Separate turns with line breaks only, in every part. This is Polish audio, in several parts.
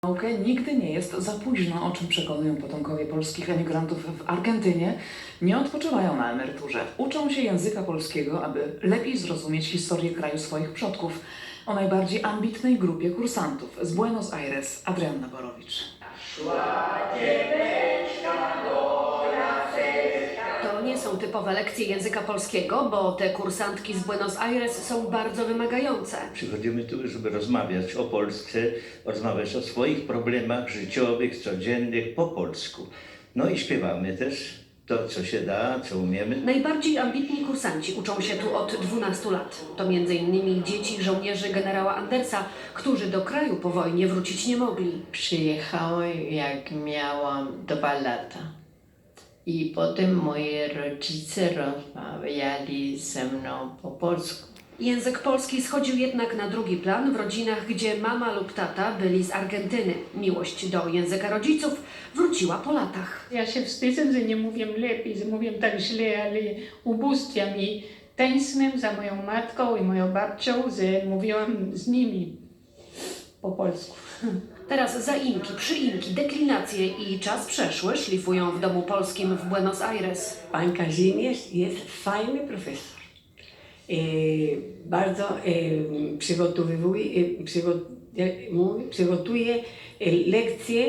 Naukę nigdy nie jest za późno, o czym przekonują potomkowie polskich emigrantów w Argentynie. Nie odpoczywają na emeryturze. Uczą się języka polskiego, aby lepiej zrozumieć historię kraju swoich przodków. O najbardziej ambitnej grupie kursantów z Buenos Aires Adrianna Borowicz.
To nie są typowe lekcje języka polskiego, bo te kursantki z Buenos Aires są bardzo wymagające.
Przychodzimy tu, żeby rozmawiać o Polsce, rozmawiać o swoich problemach życiowych, codziennych po polsku. No i śpiewamy też to, co się da, co umiemy.
Najbardziej ambitni kursanci uczą się tu od 12 lat. To m.in. dzieci żołnierzy generała Andersa, którzy do kraju po wojnie wrócić nie mogli.
Przyjechałem, jak miałam 2 lata. I potem moi rodzice rozmawiali ze mną po polsku.
Język polski schodził jednak na drugi plan w rodzinach, gdzie mama lub tata byli z Argentyny. Miłość do języka rodziców wróciła po latach.
Ja się wstydzę, że nie mówię lepiej, że mówię tak źle, ale ubóstwiam i tęsknię za moją matką i moją babcią, że mówiłam z nimi po polsku.
Teraz zaimki, przyimki, deklinacje i czas przeszły szlifują w domu polskim w Buenos Aires.
Pan Kazimierz jest fajny profesor. Bardzo przygotuje lekcje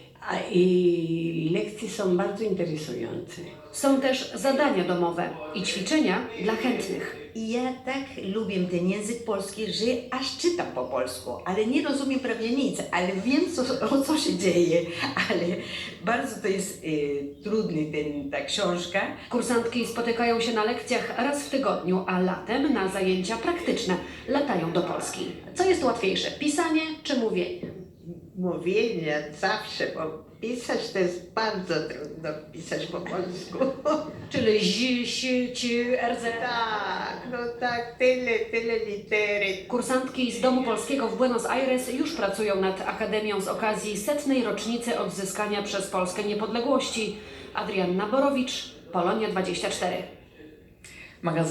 i lekcje są bardzo interesujące.
Są też zadania domowe i ćwiczenia dla chętnych.
I ja tak lubię ten język polski, że aż czytam po polsku, ale nie rozumiem prawie nic, ale wiem o co się dzieje, ale bardzo to jest trudny ta książka.
Kursantki spotykają się na lekcjach raz w tygodniu, a latem na zajęcia praktyczne latają do Polski. Co jest łatwiejsze, pisanie czy mówienie?
Mówienie zawsze, bo pisać to jest bardzo trudno pisać po polsku.
Czyli RZ.
Tak, no tak, tyle litery.
Kursantki z Domu Polskiego w Buenos Aires już pracują nad Akademią z okazji 100. rocznicy odzyskania przez Polskę niepodległości. Adrianna Borowicz, Polonia 24.
Magazyn